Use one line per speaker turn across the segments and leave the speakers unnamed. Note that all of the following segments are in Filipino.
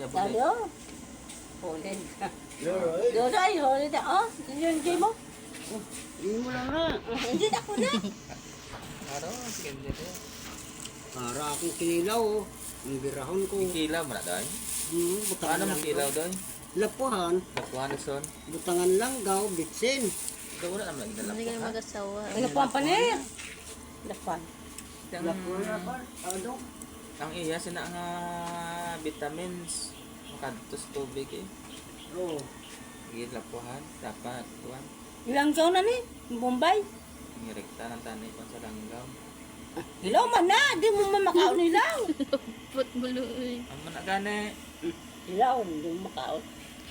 ya
Sabi,
buli.
oh. Hulid.
Leroy.
Dodoy, hulid. Oh, yun, hindi mo.
Hindi mo lang na.
Hindi na ko na.
Aro, sige dito.
Para akong kinilaw, oh. Ang birahon ko.
Kilaw mo na doy.
Butangan
Paano mo
lang
kilaw
gaw.
doy?
Lapuhan,
Lapuan son.
butangan lang gaw, bitsin.
Ikaw wala naman lagi
Hindi kayo
dalapuan.
mag-asawa.
Ano pa ang panir? Lapan.
Lapuhan pa. Ano?
Ang iya sina nga vitamins makadtos tubig eh.
Oo.
Sige lapuhan dapat tuan.
Ilang taon na ni? Bombay.
Ngirekta ng tanay pa sa langgaw.
Ilaw man na. Di mo man makaon ilaw.
Put buluy.
Ang mana gani.
Ilaw, hindi mo makaon.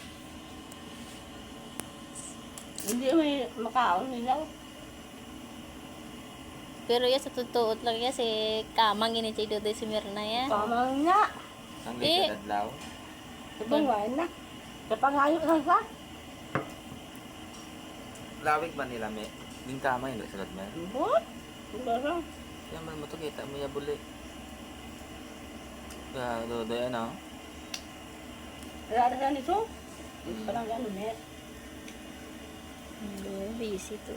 Hindi mo makaon ilaw.
Pero ya sa totoo lang ya si Kamang ini si Dodoy si Mirna ya.
Pamang nga.
Ang
Eh.
likod adlaw.
Sabungan na. Kapangayo ka ka.
Lawig ba nila me? Ding kama yung sulod mo.
But? Pero,
Yan man mo to kita mo ya buli. Ya do ano?
wala na nito. Parang gano'n eh.
Busy to.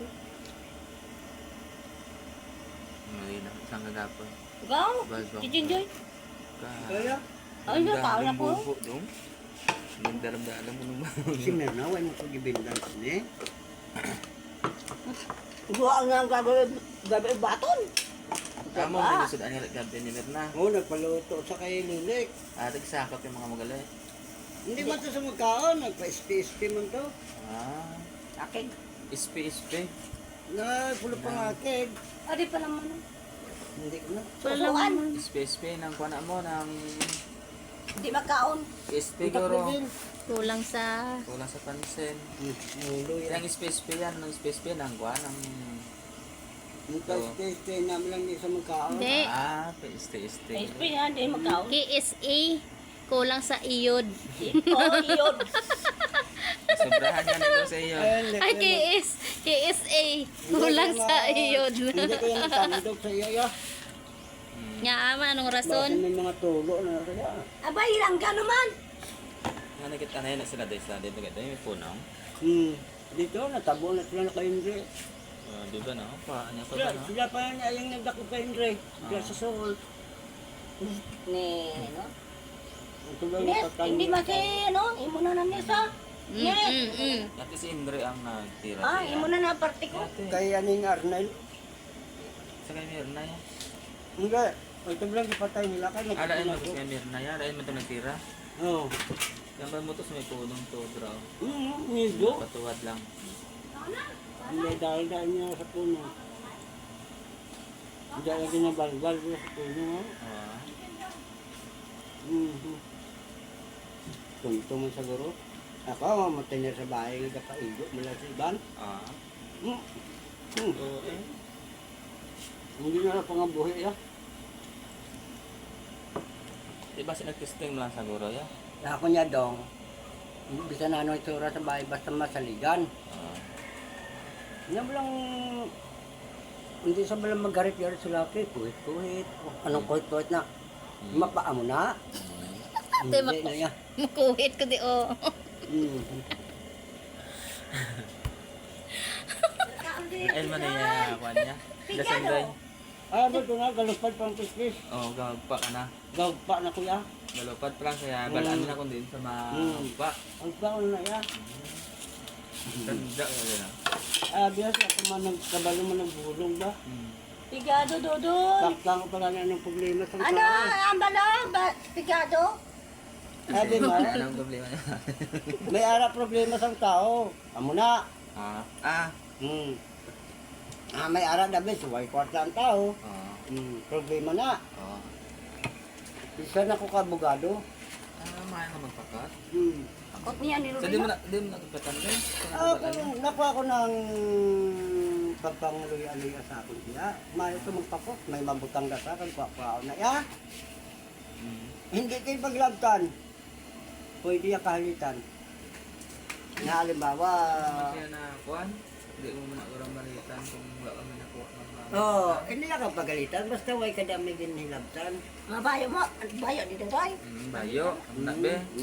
Mali na sang gagapon.
Ikaw?
Balbang.
Kijinjoy?
Kaya,
Ay, nakaon ako.
Dong. Nagdaram-daram mo naman.
si Mirna, wala mo pag-ibindan ni.
Buha nga ang gabi baton.
Amo
Diba?
mo sud ani gabi ni Mirna.
Oo, nagpaluto sa kay Lilik.
Tagsakop yung mga magalay.
Hindi man to sa magkaon, nagpa-SP-SP man to.
Ah,
Akig.
ispe.
Na, pulo pa nga keg.
Adi pa naman.
Hindi ko na.
Susuan.
Ispe ng kuana mo ng
Hindi makaon.
ispe
Ang tatlo
guro.
din.
Kulang sa
Wala sa pansin.
Ulo yan.
Yang ispe yan, ng ispe ng kuan ng
Yung pa-SP-SP namin lang di sa magkaon.
Hindi.
Iste.
SP nga, hindi makaon.
KSA. Kulang sa iyod.
Oo, yun.
Sobrahan yan ito sa iyo.
Ay, KSA. Kulang sa iyod.
Hindi ko yung tandog sa iyo, ya.
Nga ama, anong
Bakit
rason?
may mga tulo na kaya.
Abay, ilang ka naman.
Nga nakita na yun na sila dito may punong.
Dito, natabo na sila na kay Andre.
Di ba no? Paanya pa
Sila,
ba no?
sila pa yan, yung nagdako kay Andre. Sila sa Soul.
Ni, no?
Ito lang
Nes,
natatanda.
hindi masi, no? Imo na na Nesa. Nes.
Dati si Indre ang nagtira.
Ah, imo na na parte ko.
Dati.
Kay aning Arnel.
Sa kay Mirna yan.
Hindi. Ito lang ipatay nila kay
Alain mo
nagtutulog.
sa kay Mirna yan. Alain mo ito nagtira.
Oo.
Yan ba mo to sa may punong to, bro?
Nido.
Patuwad lang.
Hindi dahil niya sa puno. Hindi lagi na balbal niya sa puno.
Ah.
Tunto mo siguro. Ako, mamatay na sa bahay, nagkapaigo mula sa iban.
Ah.
Hmm.
Oo eh.
Hindi na lang pangabuhi ya.
Diba si nag-testing mo lang siguro ya?
Ako niya dong. Hindi bisa na ano itsura sa bahay basta masaligan.
Ah.
Hindi mo lang hindi sa balang magarit-garit sila kay kuhit-kuhit. Anong kuhit-kuhit na? Mapaa mo na.
Ate,
Hindi na yan.
Makuhit ko di o.
Ayun man niya, kuhan niya. Dasanday.
Ah, ba ito na, galupad pang pispis.
Oo, gagpa ka na.
Gagpa na kuya.
Galupad pa lang kaya balaan na kung din sa magpa.
Ang baon na ya.
Tanda ka na.
Ah, bias ako man nagkabalo man nagbulong ba?
Pigado, Dodon.
Takta ko pala na ng problema sa
Ano, ang bala? Pigado?
Sabi mo,
Anong problema niya?
may ara problema sa tao. Amo na.
Ah.
May ara dabi, suway kwarta ang tao.
Ah.
Problema na.
Oh.
Isa na ko kabugado.
Mahal na magpakat.
Akot niya ni
So,
Rubino.
di mo nakipatan din?
Nakuha ko ng pagpanguloy-aloy sa akin siya. May ito magpakot, may mabutang na sa akin, kuha na ya. Hindi kayo paglabtan. Pwede yung kahalitan. Na halimbawa,
Kaya na kuhan? Hindi mo muna urang malitan kung wala ka man nakuha ng
hindi na ka pagalitan, basta way kadami din hilabtan.
Bayo mo. Bayo dito tayo.
Bayo. Ang be.